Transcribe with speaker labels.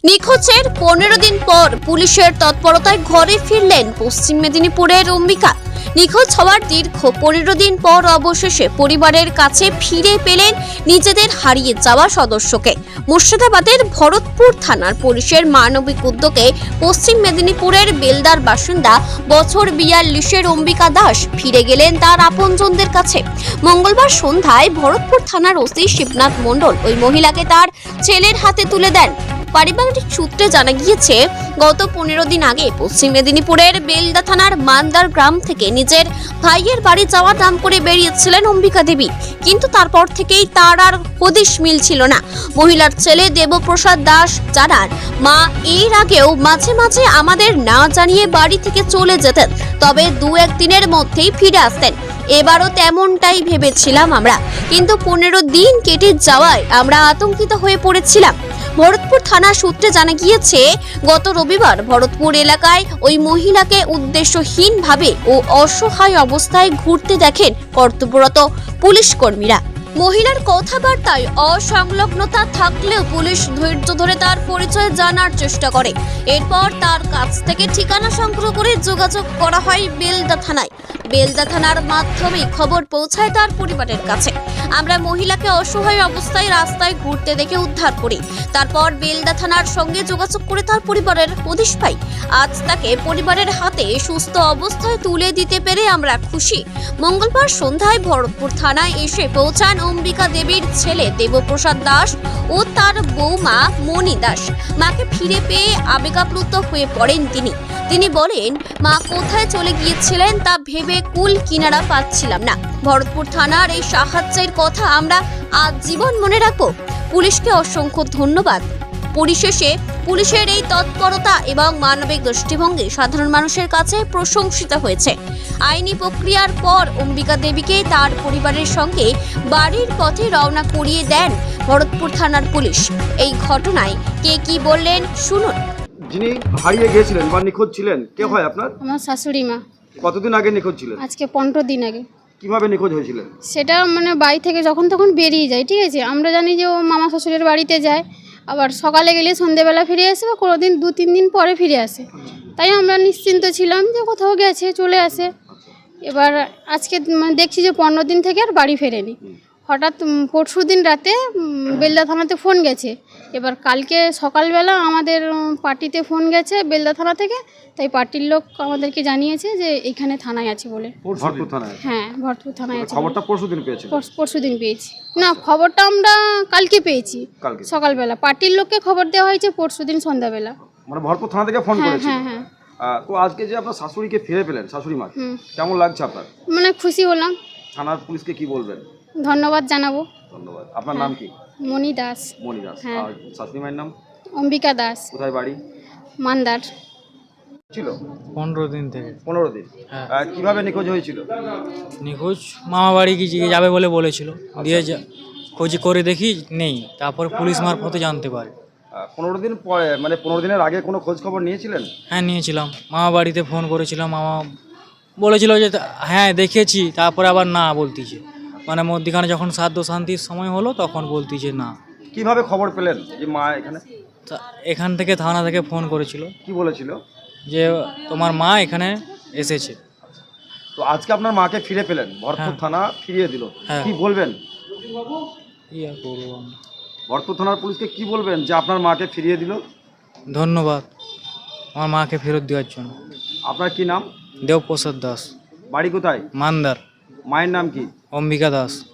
Speaker 1: নিখোঁজের 15 দিন পর পুলিশের তৎপরতায় ঘরে ফিরলেন পশ্চিম মেদিনীপুরের অম্বিকা। নিখোঁজ হওয়ার দীর্ঘ 15 দিন পর অবশেষে পরিবারের কাছে ফিরে পেলেন নিজেদের হারিয়ে যাওয়া সদস্যকে। মুর্শিদাবাদের ভরতপুর থানার পুলিশের মানবিক উদ্যোগে পশ্চিম মেদিনীপুরের বেলদার বাসিন্দা বছর 42-এর অম্বিকা দাস ফিরে গেলেন তার আপনজনদের কাছে। মঙ্গলবার সন্ধ্যায় ভরতপুর থানার ওসি শিবনাথ মণ্ডল ওই মহিলাকে তার ছেলের হাতে তুলে দেন। পারিবারিক সূত্রে জানা গিয়েছে, গত 15 দিন আগে পশ্চিম মেদিনীপুরের বেলদা থানার মান্দার গ্রাম থেকে নিজের ভাইয়ের বাড়ি যাওয়ার নাম করে বেরিয়েছিলেন অম্বিকা দেবী, কিন্তু তারপর থেকেই তার আর হদিশ মিলছিল না। মহিলার ছেলে দেবপ্রসাদ দাস জানান, মা এর আগেও মাঝে মাঝে আমাদের না জানিয়ে বাড়ি থেকে চলে যেতেন, তবে 2-1 দিনের মধ্যেই ফিরে আসতেন। এবারও তেমনটাই ভেবেছিলাম আমরা, কিন্তু 15 দিন কেটে যাওয়ায় আমরা আতঙ্কিত হয়ে পড়েছিলাম। ভরতপুর থানা সূত্রে জানা গিয়েছে, গত রবিবার ভরতপুর এলাকায় ওই মহিলাকে উদ্দেশ্যহীনভাবে ও অসহায় অবস্থায় ঘুরতে দেখেন কর্তব্যরত পুলিশ কর্মীরা। মহিলার কথাবার্তায় অসংলগ্নতা থাকলেও পুলিশ ধৈর্য ধরে তার পরিচয় জানার চেষ্টা করে। এরপর তার কাছ থেকে ঠিকানা সংগ্রহ করে যোগাযোগ করা হয় বেলদা থানায়। বেলদা থানার মাধ্যমে খবর পৌঁছায় তার পরিবারের কাছে। আমরা মহিলাকে অসহায় অবস্থায় রাস্তায় ঘুরতে দেখে উদ্ধার করি। তারপর বেলদা থানার সঙ্গে যোগাযোগ করে তার পরিবারের হদিশ পাই। আজ তাকে পরিবারের হাতে সুস্থ অবস্থায় তুলে দিতে পেরে আমরা খুশি। মঙ্গলবার সন্ধ্যায় ভরতপুর থানায় এসে পৌঁছান অম্বিকা দেবীর ছেলে দেবপ্রসাদ দাস ও তার বৌমা মণি দাস। মাকে ফিরে পেয়ে আবেগাপ্লুত হয়ে পড়েন তিনি বলেন, মা কোথায় চলে গিয়েছিলেন তা ভেবে কুল কিনারা পাচ্ছিলাম না। ভরতপুর থানার এই সাহায্যের কথা আমরা আজীবন মনে রাখব। পুলিশকে অসংখ্য ধন্যবাদ। পরিশেষে পুলিশের এই তৎপরতা এবং মানবিক দৃষ্টিভঙ্গি সাধারণ মানুষের কাছে প্রশংসিত হয়েছে। আইনি প্রক্রিয়ার পর অম্বিকা দেবীকে তার পরিবারের সঙ্গে বাড়ির পথে রওনা করিয়ে দেন ভরতপুর থানার পুলিশ। এই ঘটনায় কে কি বললেন শুনুন।
Speaker 2: যিনি হারিয়ে গিয়েছিলেন বা নিখোঁজ ছিলেন, কে হয় আপনার?
Speaker 3: আমার শাশুড়ি মা।
Speaker 2: কতদিন আগে নিখোঁজ ছিলেন?
Speaker 3: আজকে 15 দিন আগে।
Speaker 2: কিভাবে নিখোঁজ হয়েছিলেন?
Speaker 3: সেটা বাড়ি থেকে যখন তখন বেরিয়ে যায়, ঠিক আছে। আমরা জানি যে ও মামা শ্বশুরের বাড়িতে যায়, আবার সকালে গেলে সন্ধেবেলা ফিরে আসে, বা কোনো দিন 2-3 দিন পরে ফিরে আসে। তাই আমরা নিশ্চিন্ত ছিলাম যে কোথাও গেছে, চলে আসে। এবার আজকে দেখছি যে 15 দিন থেকে আর বাড়ি ফেরেনি। হঠাৎ পরশু দিন রাতে বেলদা থানাতে ফোন গেছে। এবার কালকে সকালবেলা আমাদের পার্টিতে ফোন গেছে বেলদা থানা থেকে, তাই পার্টির লোক আমাদেরকে জানিয়েছে যে এইখানে থানায় আছে বলে।
Speaker 2: ভরতপুর থানায়?
Speaker 3: হ্যাঁ, ভরতপুর থানায় আছে।
Speaker 2: খবরটা পরশুদিন পেয়েছেন?
Speaker 3: পরশুদিন পেয়েছি না, খবরটা আমরা কালকে পেয়েছি সকালবেলা। পার্টির লোককে খবর দেওয়া হয়েছে পরশুদিন সন্ধ্যাবেলা।
Speaker 2: মানে ভরতপুর থানা থেকে ফোন করেছে?
Speaker 3: হ্যাঁ হ্যাঁ।
Speaker 2: তো আজকে যে আপনার শাশুড়িকে ফিরে পেলেন, শাশুড়ি মা, কেমন লাগছে আপনার?
Speaker 3: খুশি হলাম।
Speaker 2: থানার পুলিশকে কি বলবেন?
Speaker 3: ধন্যবাদ জানাবো।
Speaker 2: ধন্যবাদ। আপনার নাম কি?
Speaker 3: মণি দাস।
Speaker 2: মণি দাস।
Speaker 3: হ্যাঁ।
Speaker 2: আর শাশুড়ি মায়ের নাম?
Speaker 3: অম্বিকা দাস।
Speaker 2: কোথায় বাড়ি?
Speaker 3: মান্দার।
Speaker 2: ছিল
Speaker 4: 15 দিন থেকে।
Speaker 2: 15 দিন?
Speaker 4: হ্যাঁ।
Speaker 2: কিভাবে নিখোঁজ হয়েছিল?
Speaker 4: নিখোঁজ মামা বাড়ি কি যাবে বলে বলেছিল, দিয়ে খোঁজ করে দেখি নেই, তারপর পুলিশ মারফতে জানতে পারে।
Speaker 2: 15 দিন পরে, মানে 15 দিনের আগে কোনো খোঁজ খবর নিয়েছিলেন?
Speaker 4: হ্যাঁ নিয়েছিলাম, মামা বাড়িতে ফোন করেছিলাম, মামা বলেছিল যে হ্যাঁ দেখেছি, তারপরে আবার না বলতিছে। মধ্যখানে যখন সাধ্য শান্তির সময় হলো তখন বলতিছে না।
Speaker 2: কিভাবে খবর পেলেন যে মা এখানে?
Speaker 4: এখান থেকে থানা থেকে ফোন করেছিল।
Speaker 2: কি বলেছিল?
Speaker 4: যে তোমার মা এখানে এসেছে।
Speaker 2: তো আজকে আপনার মাকে ফিরে পেলেন, ভরতপুর থানা ফিরিয়ে দিল, কি বলবেন?
Speaker 4: কি আর করবো,
Speaker 2: ভরতপুর থানার পুলিশকে কি বলবেন যে আপনার মাকে ফিরিয়ে দিল?
Speaker 4: ধন্যবাদ আমার মাকে ফেরত দেওয়ার জন্য।
Speaker 2: আপনার কি নাম?
Speaker 4: দেবপ্রসাদ দাস।
Speaker 2: বাড়ি কোথায়?
Speaker 4: মান্দার।
Speaker 2: মায়ের নাম কি?
Speaker 4: অম্বিকা দাস।